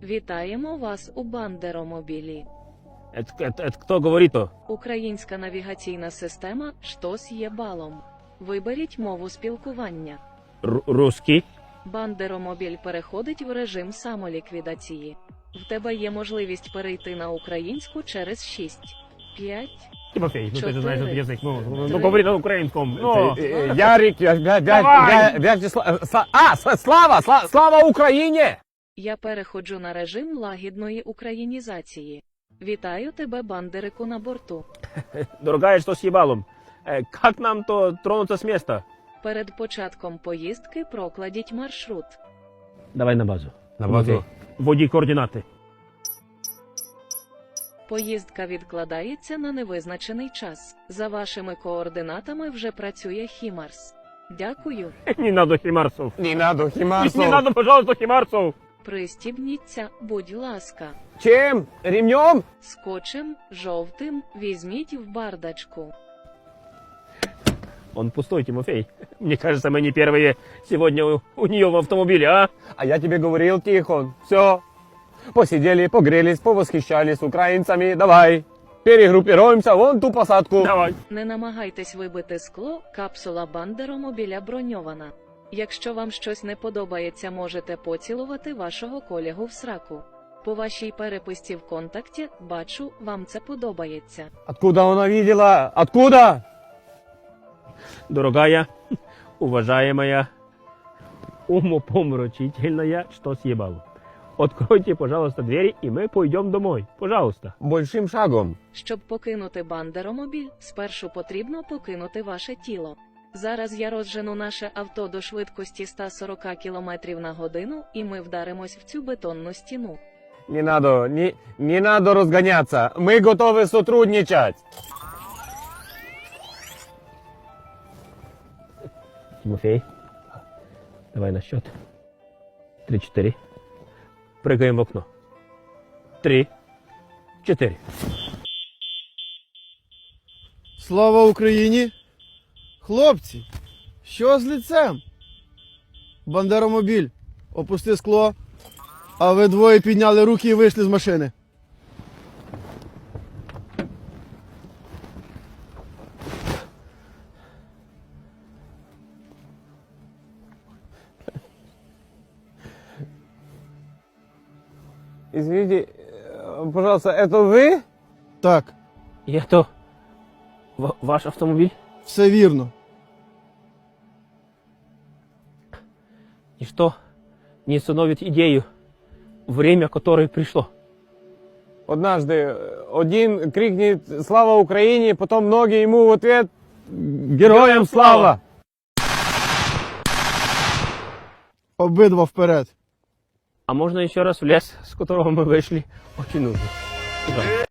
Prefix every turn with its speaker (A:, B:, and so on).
A: Вітаємо вас у Бандеромобілі.
B: Это кто говорит-то?
A: Українська навігаційна система «Штось є балом». Виберіть мову спілкування.
B: Русский.
A: Бандеромобіль переходить в режим самоліквідації. В тебе є можливість перейти на українську через 6, 5,
B: Тимофей, ну ты же знаешь этот язык, ну
A: Три.
B: говори на украинском. Ну,
C: Ярик,
B: Давай!
C: Слава Україні!
A: Я переходжу на режим лагідної українізації. Вітаю тебе, бандерику, на борту.
B: дорогая, что с ебалом? Как нам-то тронуться с места?
A: Перед початком поїздки прокладіть маршрут.
B: Давай на базу.
C: На базу.
B: Тимофей, вводи координаты.
A: Поїздка відкладається на невизначений час. За вашими координатами вже працює Хімарс. Дякую.
B: Не надо химарсов.
C: Не надо, Хімарсов.
B: Не надо, пожалуйста, химарсов.
A: Пристібніться, будь ласка.
C: Чим? Ремнем?
A: Скотчем жовтим візьміть в бардачку.
B: Он пустой, Тимофей. Мне кажется, мы не первые сегодня у нее в автомобиле, а?
C: А я тебе говорил, Тихон. Все. Посидели, погрелись, повосхищались украинцами. Давай. Перегруппируемся вон ту посадку.
B: Давай.
A: Не намагайтесь вибити скло, капсула Бандеромобіля броньована. Якщо вам щось не подобається, можете поцілувати вашого колегу в сраку. По вашій переписці в контакті, бачу, вам це подобається.
C: Откуда она видела? Откуда?
B: Дорогая, уважаемая, умопомрачительная, что съебало. Откройте, пожалуйста, двери, и мы пойдем домой. Пожалуйста.
C: Большим шагом.
A: Щоб покинути Бандеромобіль, спершу потрібно покинути ваше тіло. Зараз я розжену наше авто до швидкості 140 км на годину, і ми вдаримось в цю бетонну стіну.
C: Не надо разгоняться. Мы готовы сотрудничать.
B: Тимофей, давай на счет. 3-4. Прыгаем в окно. 3-4.
D: Слава Україні! Хлопці, що з лицем? Бандеромобіль, опусти скло, а ви двоє підняли руки і вийшли з машини.
C: Извините, пожалуйста, это вы?
D: Так,
B: И это ваш автомобиль?
D: все вірно.
B: Ничто не остановит идею, время которое пришло.
C: Однажды один крикнет «Слава Украине», потом многие ему в ответ «Героям слава!».
D: Обидва вперед.
B: А можно еще раз в лес, с которого мы вышли? Очень нужно. Туда.